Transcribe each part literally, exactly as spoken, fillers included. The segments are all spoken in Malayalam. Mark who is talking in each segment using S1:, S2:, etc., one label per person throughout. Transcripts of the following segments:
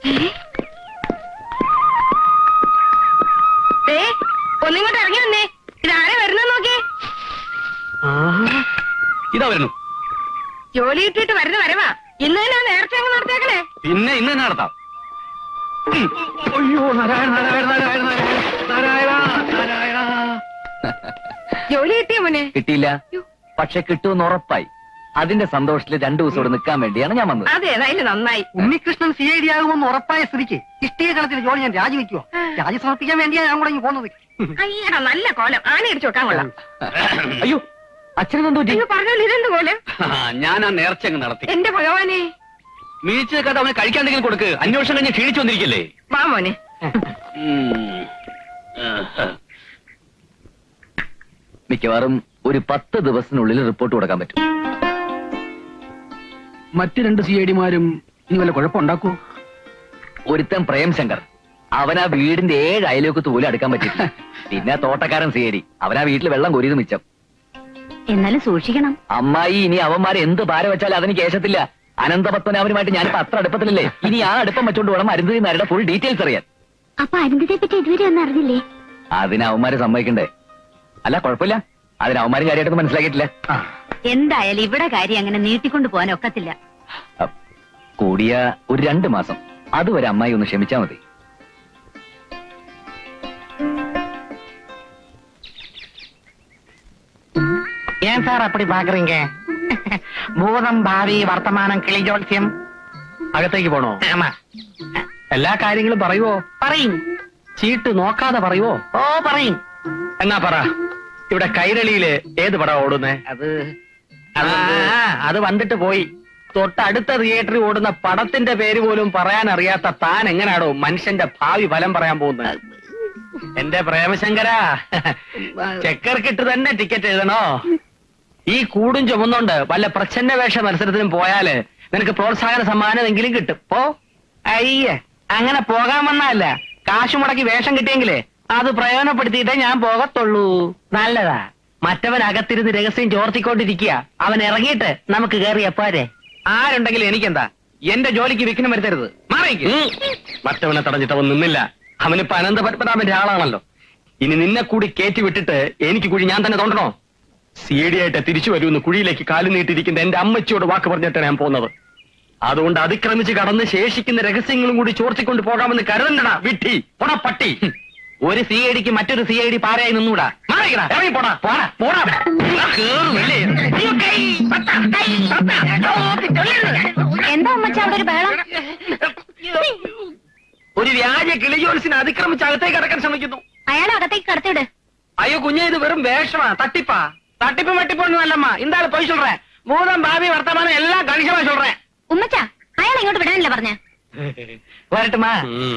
S1: ഒന്നിങ്ങോട്ട് ഇറങ്ങി വന്നേ. ഇതാരെ വരുന്ന നോക്കി.
S2: ഇതാ വരുന്നു.
S1: ജോലി കിട്ടിയിട്ട് വരുന്ന വരവാ. ഇന്ന് തന്നെ നേരത്തെ അങ്ങ് നടത്തേക്കണേ.
S2: പിന്നെ ഇന്ന് തന്നെ നടത്താം. അയ്യോ നാരായണ നാരായണ നാരായണ നാരായണ നാരായണ.
S1: ജോലി കിട്ടിയ മോനെ?
S2: കിട്ടിയില്ല, പക്ഷെ കിട്ടുമെന്ന് ഉറപ്പായി. അതിന്റെ സന്തോഷത്തിൽ രണ്ടു ദിവസം ഇവിടെ നിൽക്കാൻ വേണ്ടിയാണ് ഞാൻ വന്നത്.
S1: അതെ, ഏതായാലും നന്നായി.
S3: ഉണ്ണികൃഷ്ണൻ സി ഐ ഡി ആകുമെന്ന് ഉറപ്പായ സ്ഥിതിക്ക് ഇഷ്ടിക കളത്തിൽ ജോലി ഞാൻ രാജിവെക്കുവോ? രാജി സമർപ്പിക്കാൻ വേണ്ടിയാണ് ഞാൻ കൂടെ ഇങ്ങ് പോകുന്നത്.
S1: അയ്യടാ, നല്ല കോലം. ആന ഇടിച്ചു വെക്കാൻ കൊള്ളാം.
S2: അയ്യോ, അച്ഛനെന്തോ
S1: പറഞ്ഞോളൂ. ഇതെന്ത് കോലം?
S2: ഞാൻ ആ നേർച്ച അങ്ങ് നടത്തി.
S1: എന്റെ ഭഗവാനെ,
S2: മീച്ചു നിൽക്കാതെ അവന് കഴിക്കാണ്ടെങ്കിലും കൊടുക്ക്. അന്വേഷണം കഴിഞ്ഞ് ക്ഷീണിച്ചു വന്നിരിക്കല്ലേ.
S1: വാ മോനെ.
S2: മിക്കവാറും ഒരു പത്ത് ദിവസത്തിനുള്ളിൽ റിപ്പോർട്ട് കൊടുക്കാൻ പറ്റും.
S3: മറ്റു രണ്ട് സി ഐ ഡിമാരും ഇനി വല്ല കുഴപ്പമുണ്ടാക്കൂ?
S2: ഒരുത്തൻ പ്രേംശങ്കർ, അവനാ വീടിന്റെ ഏഴ് അയലോക്കത്ത് പോലും അടുക്കാൻ പറ്റില്ല. പിന്നെ തോട്ടക്കാരൻ സി ഐ ഡി, അവനാ വീട്ടിൽ വെള്ളം കൊരിയത് മിച്ചം.
S1: എന്നാലും സൂക്ഷിക്കണം.
S2: അമ്മായി ഇനി അവന്മാരെ എന്ത് ഭാരം വെച്ചാലും അതിന് കേശത്തില്ല. അനന്തപത്മനാഭനുമായിട്ട് ഞാനിപ്പോ അത്ര അടുപ്പത്തിലല്ലേ. ഇനി ആ അടുപ്പം വെച്ചോണ്ട് വേണം അരുന്ധതി നായരുടെ ഫുൾ ഡീറ്റെയിൽസ് അറിയാൻ.
S1: അപ്പൊ അരുന്ധതിയെ പറ്റി ഇതുവരെ ഒന്നും അറിഞ്ഞില്ലേ?
S2: അതിന് അവന്മാരെ സമ്മതിക്കണ്ടേ? അല്ല കുഴപ്പമില്ല, അതിന് അവന്മാരും കാര്യമായിട്ടൊന്നും മനസ്സിലാക്കിയിട്ടില്ല.
S1: എന്തായാലും ഇവിടെ കാര്യം അങ്ങനെ നീട്ടിക്കൊണ്ടു പോകാൻ ഒക്കത്തില്ല.
S2: കൂടിയ ഒരു രണ്ടു മാസം, അതുവരെ അമ്മായി ഒന്ന് ക്ഷമിച്ചാ മതി.
S3: ഏൻ സാർ അപ്പടി പാക്കറീങ്ക? ഭൂതം ഭാവി വർത്തമാനം കിളിജോത്സ്യം. അകത്തേക്ക് പോണോ? എല്ലാ കാര്യങ്ങളും പറയുവോ? പറയും. ചീട്ട് നോക്കാതെ പറയുവോ? ഓ പറയും. എന്നാ പറ, ഇവിടെ കൈരളിയില് ഏത് പടം ഓടുന്നേ? അത് അത് വന്നിട്ട് പോയി. തൊട്ടടുത്ത തിയേറ്ററിൽ ഓടുന്ന പടത്തിന്റെ പേര് പോലും പറയാൻ അറിയാത്ത താൻ എങ്ങനാടോ മനുഷ്യന്റെ ഭാവി ഫലം പറയാൻ പോകുന്നത്? എന്റെ പ്രേമശങ്കരാ, ചെക്കർക്കിട്ട് തന്നെ ടിക്കറ്റ് എഴുതണോ? ഈ കൂടും ചുമന്നുകൊണ്ട് വല്ല പ്രച്ഛന്ന വേഷ മത്സരത്തിനും പോയാല് നിനക്ക് പ്രോത്സാഹന സമ്മാനം കിട്ടും. പോ. അയ്യേ, അങ്ങനെ പോകാൻ വന്നല്ല. കാശു മുടക്കി വേഷം കിട്ടിയെങ്കിലേ അത് പ്രയോജനപ്പെടുത്തിയിട്ടേ ഞാൻ പോകത്തുള്ളൂ. നല്ലതാ. മറ്റവൻ അകത്തിരുന്ന് രഹസ്യം ചോർത്തിക്കൊണ്ടിരിക്കുക. അവൻ ഇറങ്ങിയിട്ട് നമുക്ക് കയറിയ പോരെ. ആരുണ്ടെങ്കിലും എനിക്കെന്താ? എന്റെ ജോലിക്ക് വിഘ്നം വരുത്തരുത്. മാറിക്ക്. മറ്റവനെ തടഞ്ഞിട്ട് അവൻ നിന്നില്ല. അവനിപ്പോ അനന്തപത്മനാഭന്റെ ആളാണല്ലോ. ഇനി നിന്നെ കൂടി കയറ്റി വിട്ടിട്ട് എനിക്ക് കുഴി ഞാൻ തന്നെ തോണ്ടണോ? സി ഡി ആയിട്ട് തിരിച്ചു വരുമെന്ന് കുഴിയിലേക്ക് കാലു നീട്ടിയിരിക്കുന്ന എന്റെ അമ്മച്ചിയോട് വാക്ക് പറഞ്ഞിട്ടാണ് ഞാൻ പോകുന്നത്. അതുകൊണ്ട് അതിക്രമിച്ച് കടന്ന് ശേഷിക്കുന്ന രഹസ്യങ്ങളും കൂടി ചോർത്തിക്കൊണ്ട് പോകാമെന്ന് കരുതണ്ടടാ വിട്ടി. പോടാ പട്ടി. ഒരു സി ഐ ഡിക്ക് മറ്റൊരു സി ഐ ഡി പാരയായി നിന്നൂടാ. മാറിക്കടാ, ഇറങ്ങി പോടാ. പോടാ പോടാ.
S1: എന്താ അമ്മച്ച അവിടെ ഒരു ബഹളം?
S3: ഒരു വ്യാജ കിളിജോത്സിനെ അതിക്രമിച്ച് അകത്തേക്ക് കടക്കാൻ ശ്രമിക്കുന്നു.
S1: അയാളെ അകത്തേക്ക് കടത്തിവിട്.
S3: അയ്യോ കുഞ്ഞെ, ഇത് വെറും വേഷമാ, തട്ടിപ്പാ. തട്ടിപ്പ് മട്ടിപ്പൊന്നും അല്ലമ്മ. ഇന്താള് പോയി ചൊല്ലേ. ഭൂതം ഭാവി വർത്തമാനം എല്ലാം കണിശമാ ചൊല്ലേ.
S1: ഉമ്മച്ച, അയാളെ ഇങ്ങോട്ട് വിടാനല്ലേ പറഞ്ഞ?
S3: വരട്ടുമാ.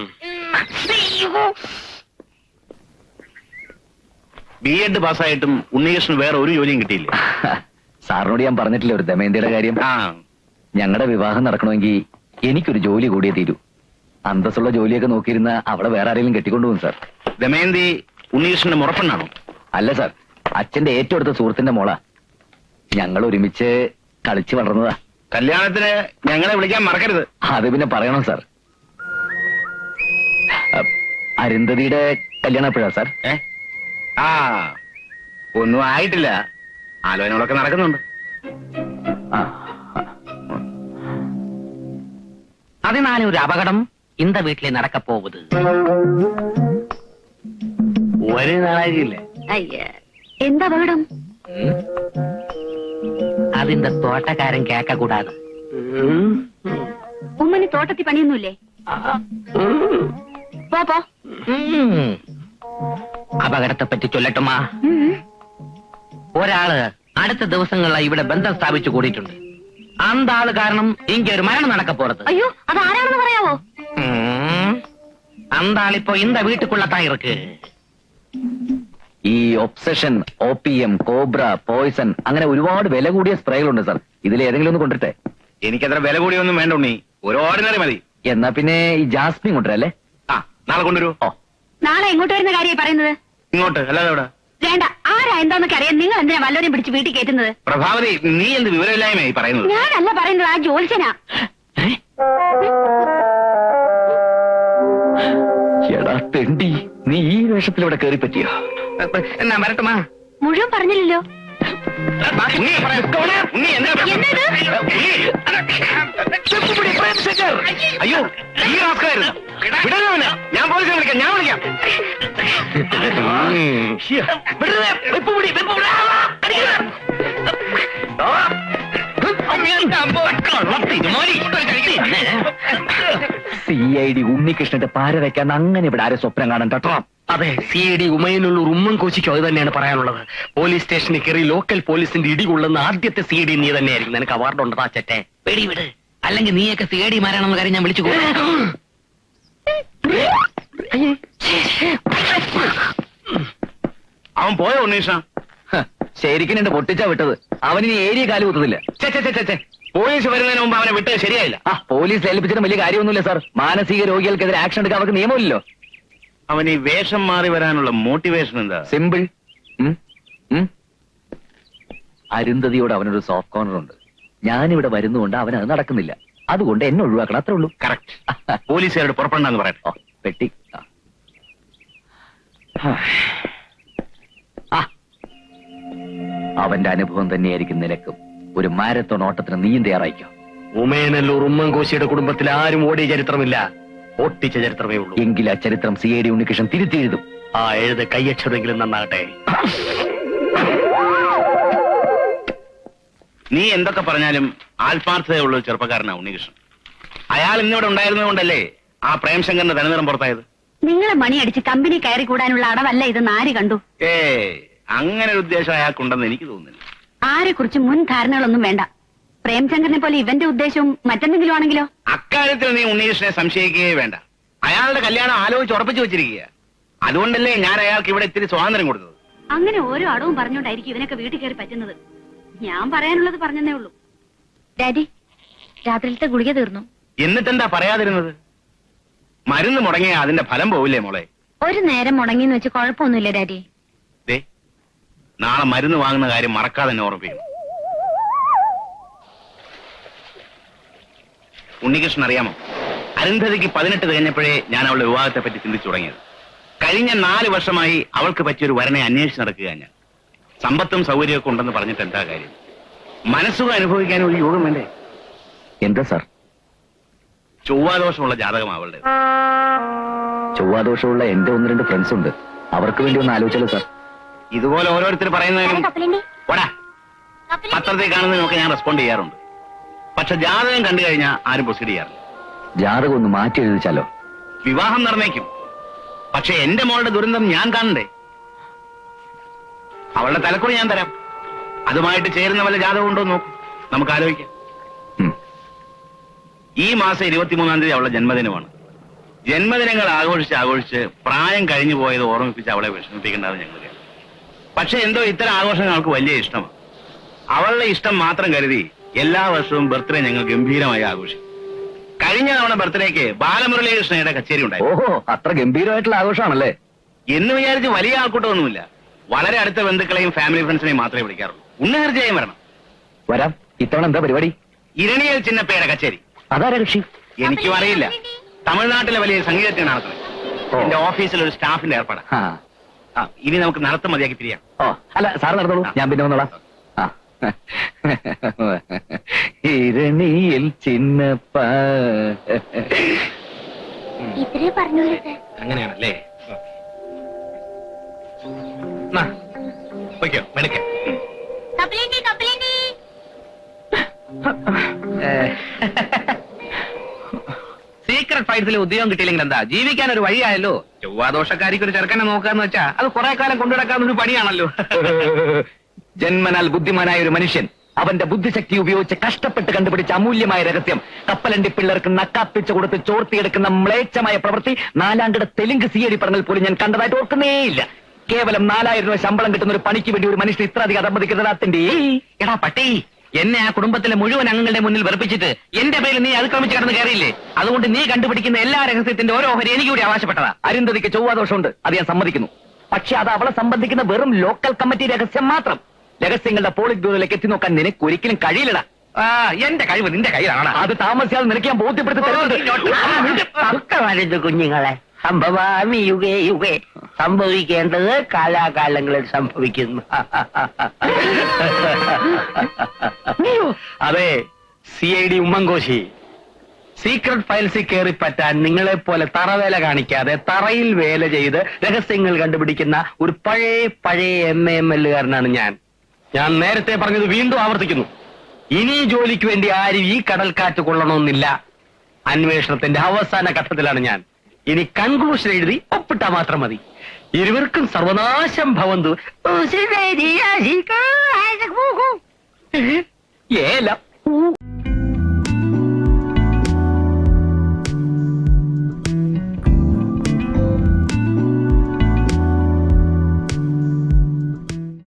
S4: ബി എഡ് പാസ്സായിട്ടും ഉണ്ണികൃഷ്ണൻ വേറെ ഒരു ജോലിയും കിട്ടിയില്ല.
S2: സാറിനോട് ഞാൻ പറഞ്ഞിട്ടില്ല ഒരു ദമയന്തിയുടെ കാര്യം. ഞങ്ങളുടെ വിവാഹം നടക്കണമെങ്കിൽ എനിക്കൊരു ജോലി കൂടിയേ തീരൂ. അന്തസ്സുള്ള ജോലിയൊക്കെ നോക്കിയിരുന്ന അവിടെ വേറെ ആരെങ്കിലും കെട്ടിക്കൊണ്ടുപോകും സാർ.
S4: ദമയന്തി ഉണ്ണികൃഷ്ണന്റെ മുറപ്പെണ്ണാണോ?
S2: അല്ല സാർ, അച്ഛന്റെ ഏറ്റവും അടുത്ത സുഹൃത്തിന്റെ മോളാ. ഞങ്ങൾ ഒരുമിച്ച് കളിച്ചു വളർന്നതാ.
S4: കല്യാണത്തിന് ഞങ്ങളെ വിളിക്കാൻ മറക്കരുത്.
S2: അത് പിന്നെ പറയണം സാർ. അരുന്ധതിയുടെ കല്യാണം എപ്പോഴാ സാർ?
S4: ഏ ആ ഒന്നും ആയിട്ടില്ല. ആലോചനകളൊക്കെ നടക്കുന്നുണ്ട്.
S3: അതിനാലെ ഒരു അപകടം ഇന്ത വീട്ടിലെ നടക്കപ്പോവുന്നത്.
S4: ഒരു നാളായില്ലേ?
S1: എന്താ അപകടം?
S3: അതിന്റെ തോട്ടക്കാരൻ കേക്ക കൂടാതെ.
S1: ഉമ്മന് തോട്ടത്തിൽ പണിയൊന്നുമില്ലേ? പോ പോ.
S3: അപകടത്തെ പറ്റി ചൊല്ലട്ടുമാ. ഒരാള് അടുത്ത ദിവസങ്ങളിലായി ഇവിടെ ബന്ധം സ്ഥാപിച്ചു കൂടിയിട്ടുണ്ട്. അന്താള് കാരണം എനിക്കൊരു മരണം നടക്കപ്പോറത്.
S1: അയ്യോ, അത് ആരാണെന്ന് പറയാവോ?
S3: അന്താളിപ്പോ ഇന്ത വീട്ടുക്കുള്ളത്താ ഇருக்கு.
S2: ഈ obsession, O P M, cobra, poison, അങ്ങനെ ഒരുപാട് വില കൂടിയ സ്പ്രേകളുണ്ട് സാർ. ഇതിൽ ഏതെങ്കിലും ഒന്ന് കൊണ്ടിട്ടെ?
S4: എനിക്കത്ര വില കൂടിയൊന്നും വേണ്ട ഉണ്ണി, ഒരു ഓർഡിനറി മതി.
S2: എന്നാ പിന്നെ ഈ ജാസ്മിൻ കൊണ്ടുവരല്ലേ?
S4: ആ നാളെ കൊണ്ടുവരൂ.
S2: ഓ,
S1: നാളെ എങ്ങോട്ട് വരുന്ന കാര്യമായി പറയുന്നത്?
S4: ഇങ്ങോട്ട്, അല്ലാതെ എവിടെ?
S1: വേണ്ട, ആരാ എന്താന്നൊക്കെ അറിയാൻ നിങ്ങൾ എന്തിനാ വല്ലവരെയും പിടിച്ച് വീട്ടിൽ കയറ്റുന്നത്?
S4: പ്രഭാവതി, നീ എന്ത് വിവരമില്ലായ്മയായി പറയുന്നത്?
S1: ഞാനല്ല പറയുന്നത്, ആ ജോത്സ്യനാ.
S2: എടാ തെണ്ടി, നീ ഈ വേഷത്തിൽ ഇവിടെ കയറി പറ്റിയോ?
S3: എന്നാ വരട്ടുമാ?
S1: മുഴുവൻ പറഞ്ഞില്ലല്ലോ.
S4: ഉണ്ണി, ഉണ്ണി, എന്താ
S1: എന്നത്?
S4: അയ്യോ, ഈ റാസ്കലായിരുന്നു. വിടരുത് അവനെ. ഞാൻ പോലീസിനെ വിളിക്കാം, ഞാൻ വിളിക്കാം. വിടരുത്. വെപ്പ് പിടി, വെപ്പ് പിടി. ആ,
S2: സി ഐ ഡി ഉണ്ണികൃഷ്ണന്റെ പാര വെക്കാൻ അങ്ങനെ ഇവിടെ ആരും സ്വപ്നം കാണാൻ കേട്ടോ.
S3: അതെ, സി ഐ ഡി ഉമയനുള്ള ഉമ്മൻ കോശിക്കോ അത് തന്നെയാണ് പറയാനുള്ളത്. പോലീസ് സ്റ്റേഷനിൽ കയറി ലോക്കൽ പോലീസിന്റെ ഇടി കൊള്ളുന്ന ആദ്യത്തെ സി ഐ ഡി നീ തന്നെയായിരിക്കും. നിനക്ക് അവാർഡ് ഉണ്ട് താച്ചറ്റെ. വെടി വിട്, അല്ലെങ്കിൽ നീയൊക്കെ സി ഐ ഡി മാരാണെന്ന കാര്യം ഞാൻ വിളിച്ചു പോകും.
S4: അവൻ പോയോ ഉണ്ണീഷ?
S2: ശരിക്കും എന്റെ പൊട്ടിച്ചാ വിട്ടത്. അവനിനി ഏരിയ കാല് കുത്തതില്ല.
S4: പോലീസ് വരുന്നതിന് മുമ്പ് അവനെ വിട്ടത് ശരിയായില്ല.
S2: ആ പോലീസ് ഏൽപ്പിച്ചിട്ട് വലിയ കാര്യമൊന്നുമില്ല സാർ. മാനസിക രോഗികൾക്കെതിരെ ആക്ഷൻ എടുക്കാൻ അവർക്ക് നിയമമില്ലല്ലോ.
S4: അവൻ ഈ വേഷം മാറി വരാനുള്ള മോട്ടിവേഷൻ എന്താ?
S2: സിമ്പിൾ. അരുന്ധതിയോട് അവനൊരു സോഫ്റ്റ് കോർണർ ഉണ്ട്. ഞാനിവിടെ വരുന്നുകൊണ്ട് അവൻ അത് നടക്കുന്നില്ല. അതുകൊണ്ട് എന്നെ ഒഴിവാക്കണം, അത്രേ ഉള്ളൂ.
S4: കറക്റ്റ്. പോലീസുകാരോട് പുറപ്പെടണമെന്ന് പറയട്ടെ.
S2: ഓ പെട്ടി. ആ അവന്റെ അനുഭവം തന്നെയായിരിക്കും നിനക്കും. ഒരു മാരത്തോൺ ഓട്ടത്തിന് നീയും തയ്യാറായിക്കോ.
S3: ഉമയനല്ലൂർ ഉമ്മൻ കോശിയുടെ കുടുംബത്തിൽ ആരും ഓടിയ ചരിത്രമില്ല, ഒട്ടിച്ച ചരിത്രമേ ഉള്ളൂ.
S2: എങ്കിൽ ആ ചരിത്രം സി ഐ ഡി ഉണ്ണികൃഷ്ണൻ തിരുത്തി എഴുതും.
S3: ആ എഴുത് കയ്യക്ഷരെങ്കിലും നന്നാകട്ടെ.
S4: നീ എന്തൊക്കെ പറഞ്ഞാലും ആത്മാർത്ഥതയുള്ള ഒരു ചെറുപ്പക്കാരനാ ഉണ്ണികൃഷ്ണൻ. അയാൾ ഇന്നിവിടെ ഉണ്ടായിരുന്നതുകൊണ്ടല്ലേ ആ പ്രേംശങ്കറിന്റെ തനിനിറം പുറത്തായത്.
S1: നിങ്ങളെ മണിയടിച്ച് കമ്പനി കയറി കൂടാനുള്ള അടവല്ല ഇത്. ആര് കണ്ടു?
S4: ഏ അങ്ങനെ ഒരു ഉദ്ദേശം അയാൾക്കുണ്ടെന്ന് എനിക്ക് തോന്നുന്നില്ല.
S1: ആരെ കുറിച്ച് മുൻ ധാരണകളൊന്നും വേണ്ട. പ്രേംശങ്കറിനെ പോലെ ഇവന്റെ ഉദ്ദേശവും മറ്റെന്തെങ്കിലും ആണെങ്കിലോ?
S4: അക്കാര്യത്തിൽ നീ ഉണ്ണികൃഷ്ണനെ സംശയിക്കുകയേ വേണ്ട. അയാളുടെ കല്യാണം ആലോചിച്ച് ഉറപ്പിച്ചു വെച്ചിരിക്കുക. അതുകൊണ്ടല്ലേ ഞാൻ അയാൾക്ക് ഇവിടെ ഇത്തിരി സ്വാതന്ത്ര്യം കൊടുത്തത്.
S1: അങ്ങനെ ഓരോ അടവും പറഞ്ഞുകൊണ്ടായിരിക്കും ഇവനൊക്കെ വീട്ടിൽ കയറി പറ്റുന്നത്. ഞാൻ പറയാനുള്ളത് പറഞ്ഞതേ ഉള്ളൂ. ഡാഡി, രാത്രിയിലത്തെ ഗുളിക തീർന്നു.
S4: എന്നിട്ടെന്താ പറയാതിരുന്നത്? മരുന്ന് മുടങ്ങിയ അതിന്റെ ഫലം പോവില്ലേ മോളെ?
S1: ഒരു നേരം മുടങ്ങിന്ന് വെച്ച് കുഴപ്പമൊന്നുമില്ല ഡാഡി.
S4: ദേ, നാളെ മരുന്ന് വാങ്ങുന്ന കാര്യം മറക്കാതെ തന്നെ ഓർമ്മിപ്പിക്കണം. ഉണ്ണികൃഷ്ണൻ അറിയാമോ, അരുന്ധതിക്ക് പതിനെട്ട് തികഞ്ഞപ്പോഴേ ഞാൻ അവളുടെ വിവാഹത്തെ പറ്റി ചിന്തിച്ചു തുടങ്ങിയത്. കഴിഞ്ഞ നാല് വർഷമായി അവൾക്ക് പറ്റിയൊരു വരനെ അന്വേഷിച്ച് നടക്കുക ഞാൻ. സമ്പത്തും സൗകര്യമൊക്കെ ഉണ്ടെന്ന് പറഞ്ഞിട്ട് എന്താ കാര്യം? മനസ്സുഖം അനുഭവിക്കാൻ ഒരു യോഗം വേണ്ടേ?
S2: എന്താ സാർ?
S4: ചൊവ്വാദോഷമുള്ള ജാതകം അവളുടെ.
S2: ചൊവ്വാദോഷമുള്ള എന്റെ ഒന്ന് രണ്ട് ഫ്രണ്ട്സ് ഉണ്ട്. അവർക്ക് വേണ്ടി ഒന്ന് ആലോചിച്ചാലോ സാർ?
S4: ഇതുപോലെ ഓരോരുത്തർ പറയുന്നതിനും ഓടാ പത്രത്തിൽ കാണുന്നതിനൊക്കെ ഞാൻ റെസ്പോണ്ട് ചെയ്യാറുണ്ട്. പക്ഷെ ജാതകം കണ്ടു കഴിഞ്ഞാൽ ആരും പ്രൊസീഡ് ചെയ്യാറില്ല.
S2: ജാതകം ഒന്ന് മാറ്റി എഴുതിച്ചാലോ?
S4: വിവാഹം നിർണയിക്കും. പക്ഷെ എന്റെ മോളുടെ ദുരന്തം ഞാൻ കാണണ്ടേ? അവളുടെ തലക്കുറി ഞാൻ തരാം. അതുമായിട്ട് ചേരുന്ന വല്ല ജാതകം ഉണ്ടോ നോക്കും, നമുക്ക് ആലോചിക്കാം. ഈ മാസം ഇരുപത്തിമൂന്നാം തീയതി അവളുടെ ജന്മദിനമാണ്. ജന്മദിനങ്ങൾ ആഘോഷിച്ച് ആഘോഷിച്ച് പ്രായം കഴിഞ്ഞു പോയത് ഓർമ്മിപ്പിച്ച് അവളെ വിഷമിപ്പിക്കേണ്ടത് ഞങ്ങൾക്ക്. പക്ഷെ എന്തോ ഇത്തരം ആഘോഷങ്ങൾ അവൾക്ക് വലിയ ഇഷ്ടമാണ്. അവളുടെ ഇഷ്ടം മാത്രം കരുതി എല്ലാ വർഷവും ബർത്ത്ഡേ ഞങ്ങൾ ഗംഭീരമായി ആഘോഷിക്കും. കഴിഞ്ഞ തവണ ബർത്ത്ഡേക്ക് ബാലമുരളീകൃഷ്ണയുടെ കച്ചേരി ഉണ്ടായി.
S2: ഓഹോ, അത്ര ഗംഭീരമായിട്ടുള്ള ആഘോഷമാണല്ലേ?
S4: എന്ന് വിചാരിച്ച് വലിയ ആൾക്കൂട്ടമൊന്നുമില്ല. വളരെ അടുത്ത ബന്ധുക്കളെയും ഫാമിലി ഫ്രണ്ട്സിനെയും മാത്രമേ വിളിക്കാറുള്ളൂ. ഉണ്ണി തീർച്ചയായും വരണം.
S2: വരാം. ഇത്തവണ എന്താ പരിപാടി?
S4: ഇരണിയൽ ചിന്നപ്പയുടെ കച്ചേരി.
S2: അതാരാ കക്ഷി?
S4: എനിക്കും അറിയില്ല. തമിഴ്നാട്ടിലെ വലിയ സംഗീതജ്ഞനാണ് നടത്തുന്നത്. എന്റെ ഓഫീസിൽ ഒരു സ്റ്റാഫിന്റെ ഏർപ്പാടാ. ആ, ഇനി നമുക്ക് നടത്തം മതിയാക്കി പിരിയാം.
S2: ഓ അല്ല, സാറ് നടന്നോളൂ, ഞാൻ പിന്നെ വന്നോളാം. ആ ഇരണിയിൽ ചിന്നപ്പ.
S1: ഇത്രേ പറഞ്ഞു.
S3: അങ്ങനെയാണല്ലേ? മെടുക്ക സീക്രട്ട് ഫൈറ്റ്സിൽ ഉദ്യോഗം കിട്ടിയില്ലെങ്കിൽ എന്താ, ജീവിക്കാൻ ഒരു വഴിയായല്ലോ. ചൊവ്വാദോഷക്കാരിക്ക് ഒരു ചെറുക്കനെ നോക്കാന്ന് വെച്ചാ അത് കുറെ കാലം കൊണ്ടുനടക്കാവുന്ന ഒരു പണിയാണല്ലോ.
S2: ജന്മനാൽ ബുദ്ധിമാനായ ഒരു മനുഷ്യൻ അവന്റെ ബുദ്ധിശക്തി ഉപയോഗിച്ച് കഷ്ടപ്പെട്ട് കണ്ടുപിടിച്ച അമൂല്യമായ രഹസ്യം കപ്പലണ്ടി പിള്ളേർക്ക് നക്കാപ്പിച്ചു കൊടുത്ത് ചോർത്തിയെടുക്കുന്ന മ്ലേച്ഛമായ പ്രവൃത്തി നാലാംകിട തെലുങ്ക് സി ഐ പറഞ്ഞാൽ പോലും ഞാൻ കണ്ടതായിട്ട് ഓർക്കുന്നേയില്ല. കേവലം നാലായിരം രൂപ ശമ്പളം കിട്ടുന്ന ഒരു പണിക്ക് വേണ്ടി ഒരു മനുഷ്യൻ ഇത്ര അധികം അധമതിക്കുന്നതിന്റെ
S3: എടാ പട്ടി, എന്നെ ആ കുടുംബത്തിലെ മുഴുവൻ അംഗങ്ങളുടെ മുന്നിൽ വെറുപ്പിച്ചിട്ട് എന്റെ പേരിൽ നീ അതിക്രമിച്ച് കടന്ന് കയറിയില്ലേ? അതുകൊണ്ട് നീ കണ്ടുപിടിക്കുന്ന എല്ലാ രഹസ്യത്തിന്റെ ഓരോ ഓഹരി എനിക്ക് കൂടി അവകാശപ്പെട്ടതാ.
S2: അരുന്ധതിക്ക് ചൊവ്വാദോഷമുണ്ട്, അത് ഞാൻ സമ്മതിക്കുന്നു. പക്ഷെ അത് അവളെ സംബന്ധിക്കുന്ന വെറും ലോക്കൽ കമ്മിറ്റി രഹസ്യം മാത്രം. രഹസ്യങ്ങളുടെ പോളിറ്റ് ബ്യൂറോയിലേക്ക് എത്തി നോക്കാൻ നിനക്ക് ഒരിക്കലും കഴിയില്ലടാ.
S3: ആ എന്റെ കഴിവ് നിന്റെ കയ്യിലാണ്.
S2: അത് താമസിയാതെ നിനക്ക് ഞാൻ ബോധ്യപ്പെടുത്തി തരുന്നത്.
S3: കുഞ്ഞുങ്ങളെ സംഭവാമി യുഗേ യുഗേ. സംഭവിക്കേണ്ടത് കാലാകാലങ്ങളിൽ സംഭവിക്കുന്നു. അതെ, C I D Oommen Koshy, secret ഫയൽസിൽ കയറി പറ്റാൻ നിങ്ങളെ പോലെ തറവേല കാണിക്കാതെ തറയിൽ വേല ചെയ്ത് രഹസ്യങ്ങൾ കണ്ടുപിടിക്കുന്ന ഒരു പഴയ പഴയ എം എ എം എല്ലുകാരനാണ് ഞാൻ. ഞാൻ നേരത്തെ പറഞ്ഞത് വീണ്ടും ആവർത്തിക്കുന്നു. ഇനി ജോലിക്ക് വേണ്ടി ആരും ഈ കടൽക്കാറ്റ് കൊള്ളണമെന്നില്ല. അന്വേഷണത്തിന്റെ അവസാന ഘട്ടത്തിലാണ് ഞാൻ. ഇനി കൺക്ലൂഷൻ എഴുതി ഒപ്പിട്ടാ മാത്രം മതി. ഇരുവർക്കും സർവനാശം ഭവന്തു. ഏലം